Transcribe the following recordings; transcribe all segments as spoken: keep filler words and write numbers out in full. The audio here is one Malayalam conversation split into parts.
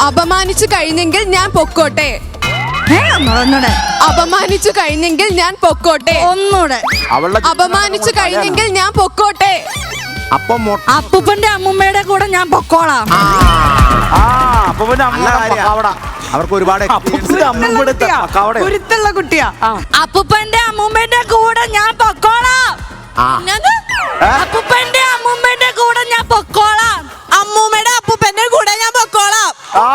അപമാനിച്ചു കഴിഞ്ഞെങ്കിൽ ഞാൻ പൊക്കോട്ടെ. അപമാനിച്ചു കഴിഞ്ഞെങ്കിൽ ഞാൻ പൊക്കോട്ടെ. ഒന്നൂടെ. അപമാനിച്ചു കഴിഞ്ഞെങ്കിൽ ഞാൻ പൊക്കോട്ടെ. അപ്പൂപ്പന്റെ അമ്മൂമ്മയുടെ കൂടെ ഞാൻ പൊക്കോളാം. അവർക്ക് ഒരുപാട് കുരുത്തുള്ള കുട്ടിയാ. അപ്പൂപ്പന്റെ അമ്മൂമ്മന്റെ കൂടെ ഞാൻ പൊക്കോളാം. അപ്പൂപ്പന്റെ അമ്മൂമ്മന്റെ കൂടെ ഞാൻ പൊക്കോളാം. അമ്മൂമ്മയുടെ അപ്പൂപ്പന്റെ കൂടെ ഞാൻ പൊക്കോളാം.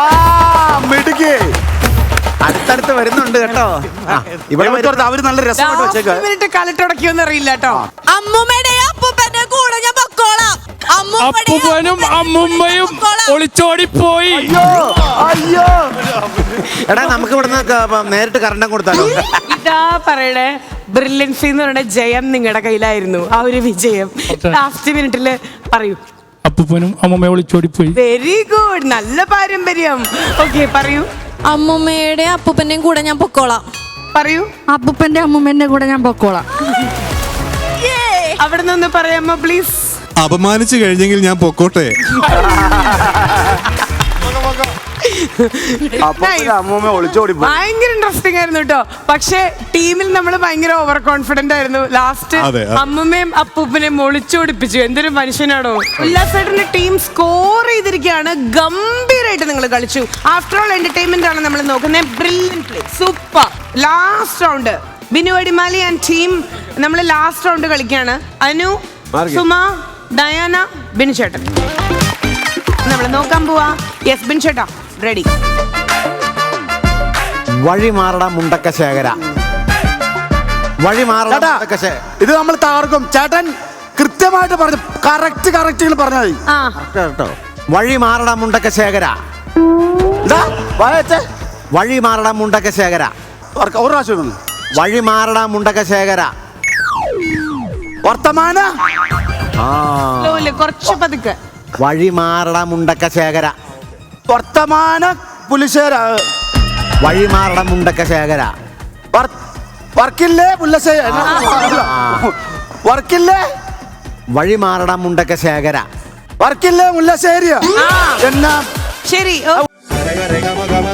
അടുത്തടുത്ത് വരുന്നുണ്ട് കേട്ടോ. ഇവിടെ അവര് നല്ല രസമായിട്ട് വെച്ചേക്ക്. കലട്ടുടക്കിയോന്ന് അറിയില്ല കേട്ടോ. അമ്മൂമ്മയുടെ അപ്പൂപ്പന്റെ കൂടെ ഞാൻ പൊക്കോളാം. അപ്പൂപ്പനും അമ്മൂമ്മയും ഒളിച്ചോടിപ്പോയി. അയ്യോ എടാ, നമുക്ക് ഇവിടുന്ന് നേരിട്ട് കറണ്ടം കൊടുത്താലോ? ഇതാ പറയണേ, ബ്രില്യൻസി എന്ന് പറയുന്ന ജയം നിങ്ങളുടെ കയ്യിലായിരുന്നു. ആ ഒരു വിജയം ലാസ്റ്റ് മിനിറ്റില് പറയൂ. അപ്പൂപ്പനും അമ്മൂമ്മയും ഒളിച്ചോടിപ്പോയി. വെരി ഗുഡ്, നല്ല പാരമ്പര്യം. ഓക്കെ, പറയൂ. അമ്മൂമ്മയുടെ അപ്പൂപ്പന്റെയും കൂടെ ഞാൻ പൊക്കോളാം. പറയൂ. അപ്പൂപ്പന്റെ അമ്മൂമ്മന്റെ കൂടെ ഞാൻ പൊക്കോളാം. അവിടെ നിന്ന് പറയാമോ പ്ലീസ്? അപമാനിച്ചു കഴിഞ്ഞെങ്കിൽ ഞാൻ പൊക്കോട്ടെ. ഭയങ്കര ഇൻട്രസ്റ്റിംഗ് ആയിരുന്നു കേട്ടോ. പക്ഷെ ടീമിൽ നമ്മൾ ഭയങ്കര ഓവർ കോൺഫിഡന്റ് ആയിരുന്നു. ലാസ്റ്റ് അമ്മമ്മയും അപ്പൂപ്പനെയും ഒളിച്ചോടിപ്പിച്ചു. എന്തൊരു മനുഷ്യനാണോ. ഉല്ലാസേട്ടന്റെ ടീം സ്കോർ ചെയ്തിരിക്കുകയാണ്. ഗംഭീരമായിട്ട് നിങ്ങൾ കളിച്ചു. ആഫ്റ്റർ ഓൾ എന്റർടൈൻമെന്റ് ആണ് നമ്മൾ നോക്കുന്നത്. Brilliant play, super. Last round Binu Adimali and team നമ്മൾ ലാസ്റ്റ് റൗണ്ട് കളിക്കുകയാണ്. അനു, സുമ, ഡയാന, ബിനു ചേട്ടൻ നമ്മൾ നോക്കാൻ പോവാ. യെസ് ബിനു ചേട്ടാ, റെഡി. വഴി മാറട മുണ്ടക്ക ശേഖര. വഴി മാറട. ഇത് നമ്മൾ തകർക്കും. ചേട്ടൻ കൃത്യമായിട്ട് പറഞ്ഞു. കറക്റ്റ് കറക്റ്റ് പറഞ്ഞാൽ കേട്ടോ. വഴി മാറട മുണ്ടക്ക ശേഖര. വഴി മാറട മുണ്ടക്ക ശേഖര. ഒരു പ്രാവശ്യം വഴി മാറട മുണ്ടക്ക ശേഖര. വർത്തമാന കുറച്ച് പതുക്കെ. വഴി മാറട മുണ്ടക്ക ശേഖര. വർത്തമാന പുലിശേര. വഴി മാറട മുണ്ടക്ക ശേഖര. വർക്കില്ലേ പുല്ലശേര. വർക്കില്ലേ വഴി മാറട മുണ്ടക്ക ശേഖര. വർക്കില്ലേ മുല്ലശ്ശേരിയ. എന്നാ ശരി.